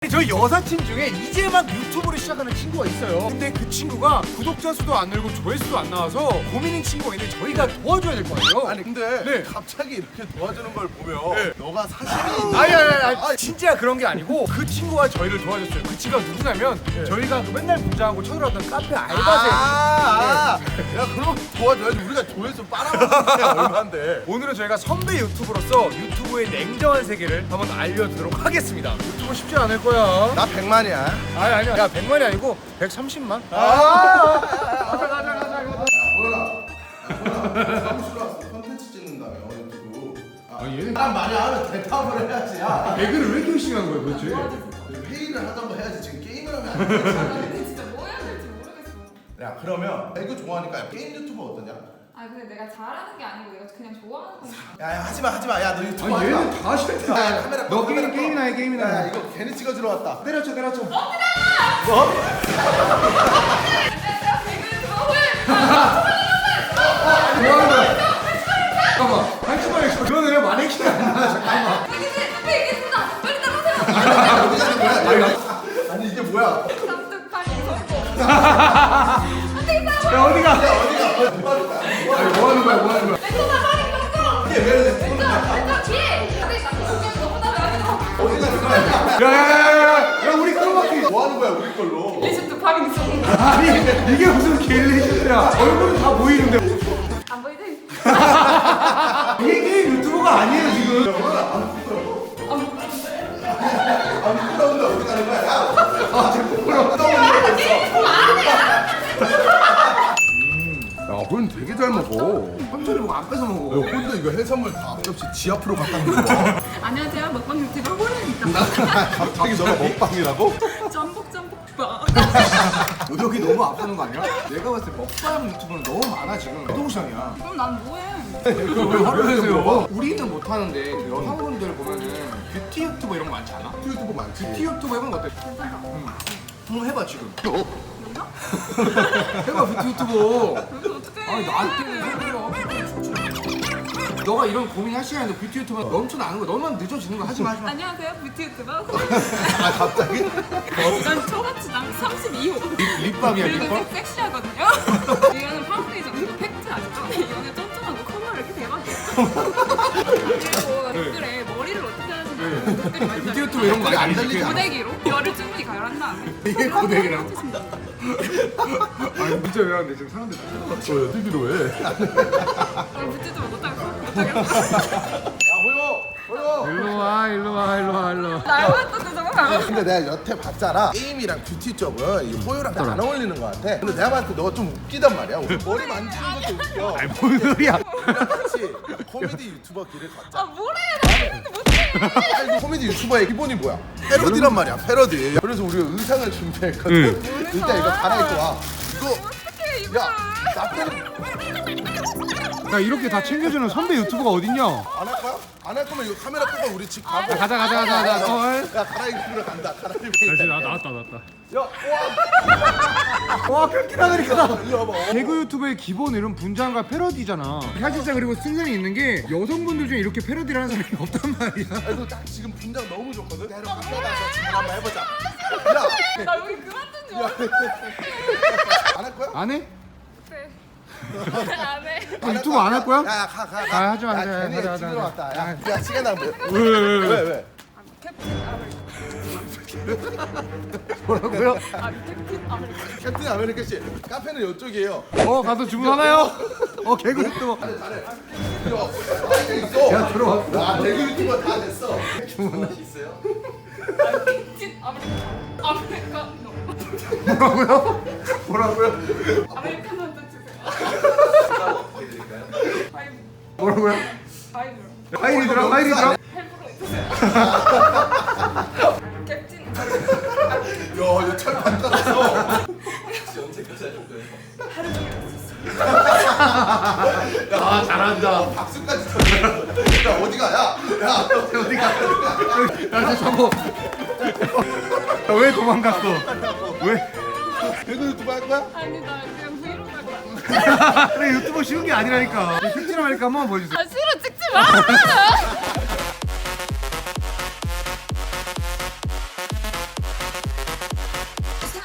저희 여사친 중에 이제 막 유튜브를 시작하는 친구가 있어요. 근데 그 친구가 구독자 수도 안 늘고 조회수도 안 나와서 고민인 친구가 있는데 저희가 도와줘야 될 거 아니에요? 아니 근데 네. 갑자기 이렇게 도와주는 걸 보면 네. 너가 사심이 아니 진짜 그런 게 아니고 그 친구가 저희를 도와줬어요. 그 친구가 누구냐면 저희가 그 맨날 분장하고 쳐들어왔던 카페 알바생. 야 그럼 도와줘야지. 우리가 조회수 빨아먹는 게 얼만데. 오늘은 저희가 선배 유튜버로서 유튜브의 냉정한 세계를 한번 알려드리도록 하겠습니다. 유튜브 쉽지 않을 거야. 나 100만이야. 아니야. 야 100만이 아니고 130만. 몰라. 사무실로 왔어. 컨텐츠 찍는다며 유튜브. 얘는 사람 많이 하면 대답을 해야지. 야. 개그를 왜 이렇게 열심히 하는 거야 도대체? 회의를 하던가 해야지. 지금 게임을 하면 안 되지. 근데 진짜 뭐 해야 될지 모르겠어. 야 그러면 배그 좋아하니까 게임 유튜버 어떠냐? 아 근데 내가 잘하는 게 아니고 내가 그냥 좋아하는 거니까. 야 하지마. 야 너 유튜브 하지 마. 얘는 다 싫다. 야, 카메라 너 꺼, 카메라 게임이나 해 게임이나 야 해. 이거 괜히 찍어주러 왔다. 때려쳐. 내가 배그를 좋아해. 뭐 하는 거야? 잠깐만. 한치만 그거는 왜 마네킹이 아니야? 잠깐만. 근데 얘기했구나. 빨리 따라오세요. 아니 이게 뭐야? 쌍둥팔이 성공. 야 어디가? 뭐 하는 거야? 왼손 팔이 꺾어. 이게 왜 이래? 왼쪽 뒤에. 근데 나 공격 너무 나왜 어디 가는 거야? 야 우리 크로마키. 뭐 하는 거야 우리 걸로? 리슈트 파밍 성공. 아니 이게 무슨 갤리시야? 얼굴은 다 보이는데. 안 보이지? 이게 게임 유튜버가 아니에요 지금. 아 부끄러운데 어디 가는 거야? 야! 야, 넌 되게 잘 먹어. 천천히 먹어 안 뺏어 먹어. 야, 근데 이거 해산물 다 앞접시 지 앞으로 갖다 놓는 거야. 안녕하세요. 먹방 유튜버 호랑입니다. 갑자기 너가 먹방이라고? 짬뽕. 여기 너무 아프는 거 아니야? 내가 봤을 때 먹방 유튜브는 너무 많아 지금. 동상이야. 그럼 난 뭐해? 그걸 왜 화를 내세요? 우리는 못하는데 그 여성분들 보면은 뷰티 유튜버 이런 거 많지 않아? 유튜브 많지. 뷰티 유튜버 해보는 거 어때? 괜찮다. 한번 해봐 지금. 뭔가? 해봐 뷰티 유튜버. 그래서 어떡해? 아니 나한테는 소리야. 너가 이런 고민할 시간에 뷰티 유튜버 넘쳐나는 거야. 너만 늦어지는 거 하지 마. 안녕하세요. 뷰티 유튜버 아 갑자기? 난 초가치당 32호. 립밤이야 그리고 립밤? 섹시하거든요. 이거는 파운데이션, 이거 팩트 아시죠? 이거는 쫀쫀하고 컬러 이렇게 대박이에요. 그리고 댓글에 머리를 어떻게 하시냐고 댓글이 많이 뷰티 유튜브 이런 거 안 아니지? 달리지 않아? 고데기로 열을 충분히 가열한 다음에 이게 고데기라고? 아니 문자 왜 하는데 지금 사람들 다 너 여드기로 해? 야 오늘 뷰티 좀 못하겠어. 호요! 일로 와. 날만 떴는데 정말 안 근데 내가 여태 봤잖아. 게임이랑 뷰티 쪽은 이 호요랑 잘 안 어울리는 것 같아. 근데 내가 봤을 때 너가 좀 웃기단 말이야. 머리 만지는 것도 웃겨. 아니 뭔 소리야? 우리랑 같이 코미디 유튜버 길을 걷자. 아 뭐래? 나 했는데 못해. 아니, 코미디 유튜버의 기본이 뭐야? 패러디란 말이야, 패러디. 그래서 우리가 의상을 준비했거든. 일단 이거 갈아입고 와. 이거 어떡해 이거. 야, 나 패러디 야 이렇게 다 챙겨주는 선배 유튜버가 어딨냐? 안 할 거야? 안 할 거면 이거 카메라 끄고 우리 집 가고. 가자. 야, 갈아입으러 간다. 갈아입으러 간다. 나왔다. 야, 와 그렇게 하니까. 일로 와봐. 개그 유튜브의 기본 이름 분장과 패러디잖아. 사실상 그리고 승산이 있는 게 여성분들 중에 이렇게 패러디를 하는 사람이 없단 말이야. 그래도 딱 지금 분장 너무 좋거든. 내가 가서 지금 한번 해보자. 야, 나 여기 그만둔 줄 알았어. 안 할 거야? 안 해? 네. 안 해. 유튜브 안 할 거야? 야, 가. 아, 하지 마, 하지 마. 괜히 하자. 찍으러 왔다. 야, 시간 낭비. 왜? 왜? 캡틴 아메리카. 뭐라고요? 아 캡틴 아메리카. 캡틴 아메리카 씨, 카페는 이쪽이에요. 가서 주문하나요? 개그 유튜버. 잘해. 있어. 야 들어와. 와, 대구 유튜버 다 됐어. 주문할 수 있어요? 캡틴 아메리카. 아메리카노. 뭐라고요? 아메리카노 한잔 주세요. 파이브. 뭐라고요? 파이브. 파일이더라. 헬프로 주세요. 캡틴 야, 이거 철판 떨었어. 하루 종일 했었어. 야 잘한다. 박수까지 쳤네. 야, 어디가? 야. 어디가? 야 저거. 왜 도망갔어? 왜? 대구 유튜버 할 거야? 아니 나 그냥 브이로그 할 거야. 그래 유튜버 쉬운 게 아니라니까. 캡틴 아메리카 한번 보여주세요. 아 싫어 찍지 마.